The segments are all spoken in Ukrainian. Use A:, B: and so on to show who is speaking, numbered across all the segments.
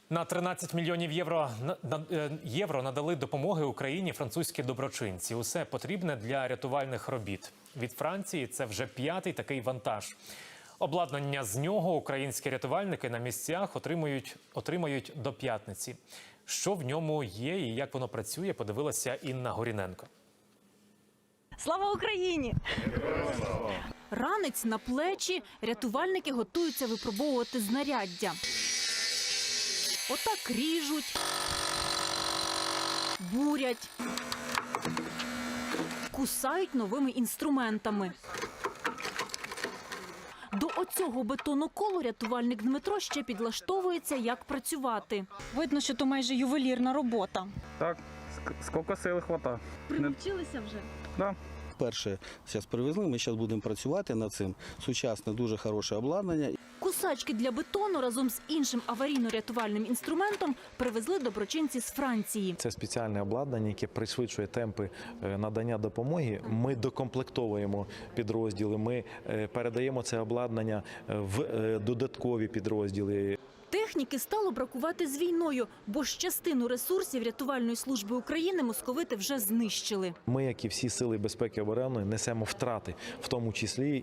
A: На 13 мільйонів євро надали допомоги Україні французькі доброчинці. Усе потрібне для рятувальних робіт. Від Франції це вже 5-й такий вантаж. Обладнання з нього українські рятувальники на місцях отримають до п'ятниці. Що в ньому є і як воно працює, подивилася Інна Горіненко.
B: Слава Україні! Ранець на плечі, рятувальники готуються випробовувати знаряддя. Отак ріжуть, бурять, кусають новими інструментами. До оцього бетоноколу рятувальник Дмитро ще підлаштовується, як працювати. Видно, що то майже ювелірна робота.
C: Так, скільки сили хватає.
B: Привчилися вже?
C: Да.
D: Перше зараз привезли, ми зараз будемо працювати над цим. Сучасне, дуже хороше обладнання.
B: Кусачки для бетону разом з іншим аварійно-рятувальним інструментом привезли доброчинці з Франції.
E: Це спеціальне обладнання, яке пришвидшує темпи надання допомоги. Ми докомплектовуємо підрозділи, ми передаємо це обладнання в додаткові підрозділи.
B: Техніки стало бракувати з війною, бо ж частину ресурсів рятувальної служби України московити вже знищили.
E: Ми, як і всі сили безпеки і оборони, несемо втрати, в тому числі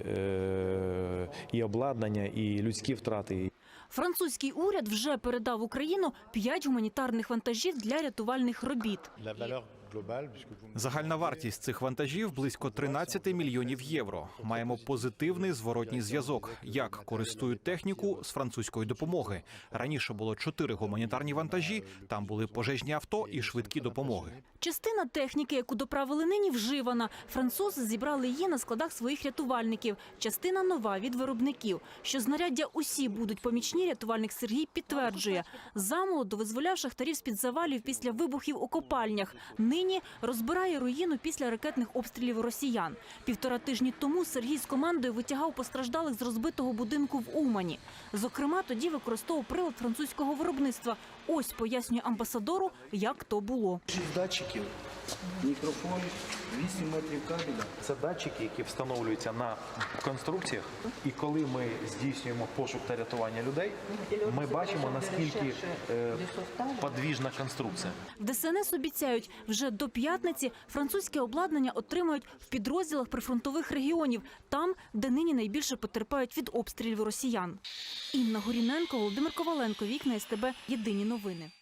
E: і обладнання, і людські втрати.
B: Французький уряд вже передав в Україну 5 гуманітарних вантажів для рятувальних робіт.
F: Загальна вартість цих вантажів – близько 13 мільйонів євро. Маємо позитивний зворотній зв'язок, як користують техніку з французької допомоги. Раніше було 4 гуманітарні вантажі, там були пожежні авто і швидкі допомоги.
B: Частина техніки, яку доправили нині, вживана. Французи зібрали її на складах своїх рятувальників. Частина нова від виробників. Що знаряддя усі будуть помічні, рятувальник Сергій підтверджує. Замолоду визволяв шахтарів з-під завалів після вибухів у копальнях. Нині розбирає руїну після ракетних обстрілів росіян. 1,5 тижні тому Сергій з командою витягав постраждалих з розбитого будинку в Умані. Зокрема, тоді використовував прилад французького виробництва. Ось пояснює амбасадору, як то було.
D: 6 датчиків, мікрофон, 8 метрів кабеля.
E: Це датчики, які встановлюються на конструкціях. І коли ми здійснюємо пошук та рятування людей, ми бачимо, наскільки подвіжна конструкція.
B: В ДСНС обіцяють, вже до п'ятниці французьке обладнання отримають в підрозділах прифронтових регіонів, там, де нині найбільше потерпають від обстрілів росіян. Інна Горіненко, Володимир Коваленко, Вікна СТБ, Єдині новини.